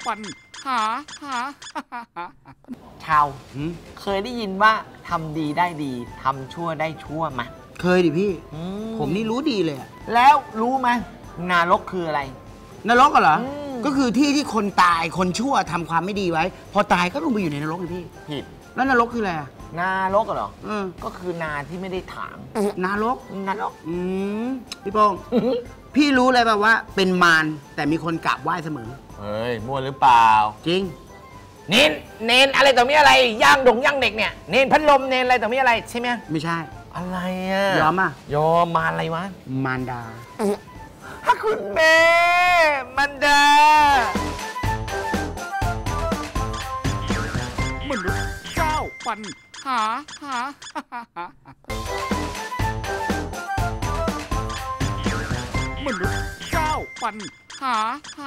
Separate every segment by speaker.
Speaker 1: ปัญหา
Speaker 2: ชาวเคยได้ยินว่าทำดีได้ดีทำชั่วได้ชั่วไหม
Speaker 3: เคยดิพี่ผมนี่รู้ดีเลย
Speaker 2: แล้วรู้ไหมนรกคืออะไร
Speaker 3: นรกเหรอก็คือที่ที่คนตายคนชั่วทำความไม่ดีไว้พอตายก็ลงไปอยู่ในนรกเลยพี่
Speaker 2: ผิด
Speaker 3: แล้วนรกคืออะไร
Speaker 2: นรกเหรอก็คือนาที่ไม่ได้ถาง
Speaker 3: นรกพี่โป้งพี่รู้เลยป่ะว่าเป็นมารแต่มีคนกราบไหว้เสมอ
Speaker 2: เฮ้ยมั่วหรือเปล่า
Speaker 3: จริง
Speaker 2: เน้นอะไรต่อมีอะไรย่างเด็กเนี่ยเน้นพัดลมเน้นอะไรต่อมีอะไรใช่ไหม
Speaker 3: ไม่ใช่
Speaker 2: อะไรอ่ะ
Speaker 3: ยอม
Speaker 2: ยอมมารอะไรวะ
Speaker 3: มารดา
Speaker 2: คุณแม่มันดาม
Speaker 1: นุษย์เจ้าปัญหามนุษย์เจ้าปัญหา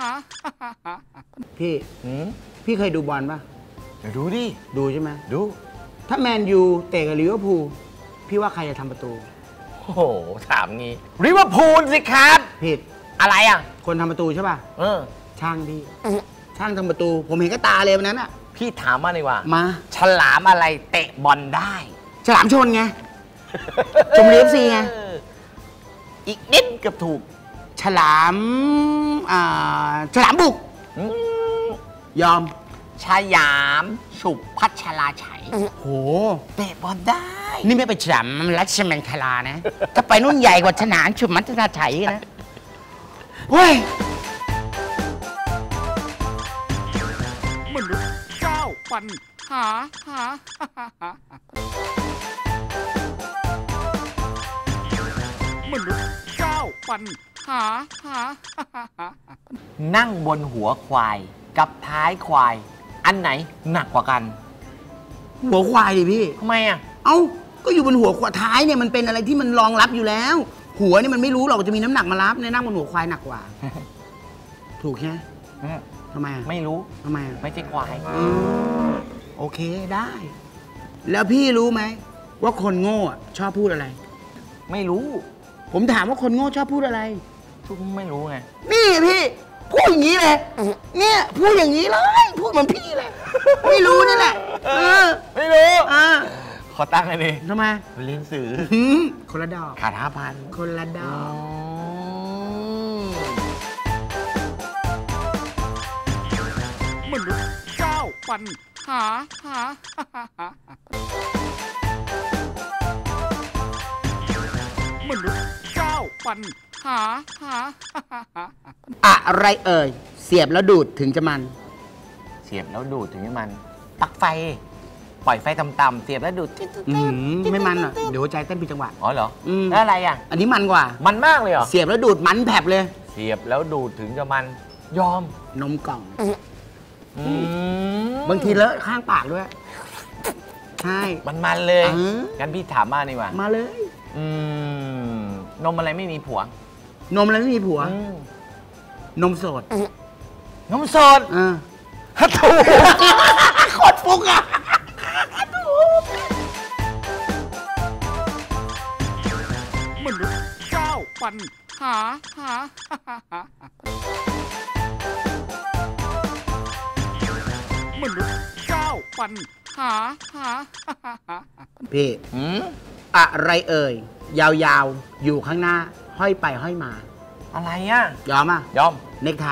Speaker 3: พี่เคยดูบอลป่ะ
Speaker 2: เดี๋ยวดูดิ
Speaker 3: ดูใช่ไหม
Speaker 2: ดู
Speaker 3: ถ้าแมนยูเตะกับลิเวอร์พูลพี่ว่าใครจะทำประตู
Speaker 2: โอ้โหถามงี้ลิเวอร์พูลสิครับ
Speaker 3: ผิด
Speaker 2: อะไรอ่ะ
Speaker 3: คนทำประตูใช่ป่ะช่างพี่ช่างทำประตูผมเห็นก็ตาเลยวันนั้นอ่ะ
Speaker 2: พี่ถามมาเลยว่า
Speaker 3: มา
Speaker 2: ฉลามอะไรเตะบอลได้
Speaker 3: ฉลามชนไงชมบุรี FC ไง
Speaker 2: อีกนิดเกือบถูก
Speaker 3: ฉลามบุกยอม
Speaker 2: ชายามฉุบพัชราชัย
Speaker 3: โห
Speaker 2: เตะบอลได้
Speaker 3: นี่ไม่ไปฉลามรัชมังคลานะถ้าไปนุ่นใหญ่กว่าฉลามฉุบพัชราชัยนะเฮ้ย
Speaker 1: มนุษย์เจ้าปัญหามนุษย์เจ้าปัญหา
Speaker 2: นั่งบนหัวควายกับท้ายควายอันไหนหนักกว่ากัน
Speaker 3: หัวควายดิพี่
Speaker 2: ทำไมอ่ะ
Speaker 3: เอ้าก็อยู่บนหัวควายท้ายเนี่ยมันเป็นอะไรที่มันรองรับอยู่แล้วหัวนี่มันไม่รู้หรอกจะมีน้ำหนักมารับในนั่งบนหัวควายหนักกว่าถูกใช่ไหมทำไม
Speaker 2: ไม่รู้
Speaker 3: ทำไม
Speaker 2: ไม่ใช่ควาย
Speaker 3: โอเคได้แล้วพี่รู้ไหมว่าคนโง่ชอบพูดอะไร
Speaker 2: ไม่รู้
Speaker 3: ผมถามว่าคนโง่ชอบพูดอะไร
Speaker 2: ทุกไม่รู้ไง
Speaker 3: นี่พี่พูดอย่างนี้เลยเนี่ยพูดอย่างนี้เลยพูดเหมือนพี่เลยไม่รู้นี่แหละ
Speaker 2: ไม่รู้ขอตั้งเลย
Speaker 3: ทำไม
Speaker 2: เรียนสื่อ
Speaker 3: คนละดอก
Speaker 2: ขาด5,000
Speaker 3: คนละดอก
Speaker 1: มนุษย์เจ้าปัญหามนุษย์เจ้าปัญหา
Speaker 3: อะไรเอ่ยเสียบแล้วดูดถึงจะมัน
Speaker 2: เสียบแล้วดูดถึงจะมันปลั๊กไฟปล่อยไฟต่ำๆเสียบแล้วดูด
Speaker 3: ไม่มันอ่ะเดี๋ยวใจเต้นผิดจังหวะ
Speaker 2: อ๋อเหรอแล้วอะไรอ่ะ
Speaker 3: อันนี้มันกว่า
Speaker 2: มันมากเลยเหรอ
Speaker 3: เสียบแล้วดูดมันแผลบเลย
Speaker 2: เสียบแล้วดูดถึงจะมันยอม
Speaker 3: นมกล่องบางทีเลอะข้างปากด้วยใช่
Speaker 2: มันเลยงั้นพี่ถามมาดีกว่า
Speaker 3: มาเลย
Speaker 2: นมอะไรไม่มีผัวน
Speaker 3: มอะไรไม่มีผัว นมสด
Speaker 2: นมสดถูก
Speaker 3: โคตรฟุกอ่ะ
Speaker 1: มนุษย์เจ้าปัญหามนุษย์เจ้าปัญหา
Speaker 3: พี่อะไรเอ่ยยาวๆอยู่ข้างหน้าห้อยไปห้อยมา
Speaker 2: อะไรอ่ะ
Speaker 3: ยอมอ่ะ
Speaker 2: ยอม
Speaker 3: เน็กไท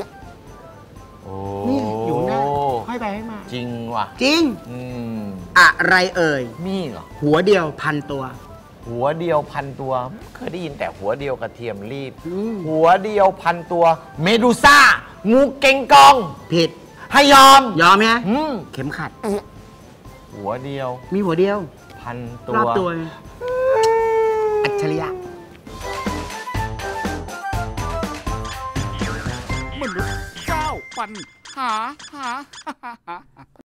Speaker 3: นี่อยู่หน้าห้อยไปห้อยมา
Speaker 2: จริงว่ะ
Speaker 3: จริงอะไรเอ่ย
Speaker 2: มีเหรอ
Speaker 3: หัวเดียวพันตัว
Speaker 2: หัวเดียวพันตัวเคยได้ยินแต่หัวเดียวกระเทียมรีบหัวเดียวพันตัวเมดูซ่างูเก่งกอง
Speaker 3: ผิด
Speaker 2: ให้ยอม
Speaker 3: ไหมเข็มขัด
Speaker 2: หัวเดียว
Speaker 3: มีหัวเดียว
Speaker 2: พันตัว
Speaker 3: รอบตัวอัจฉริยะ
Speaker 1: มนุษย์เจ้าปัญหา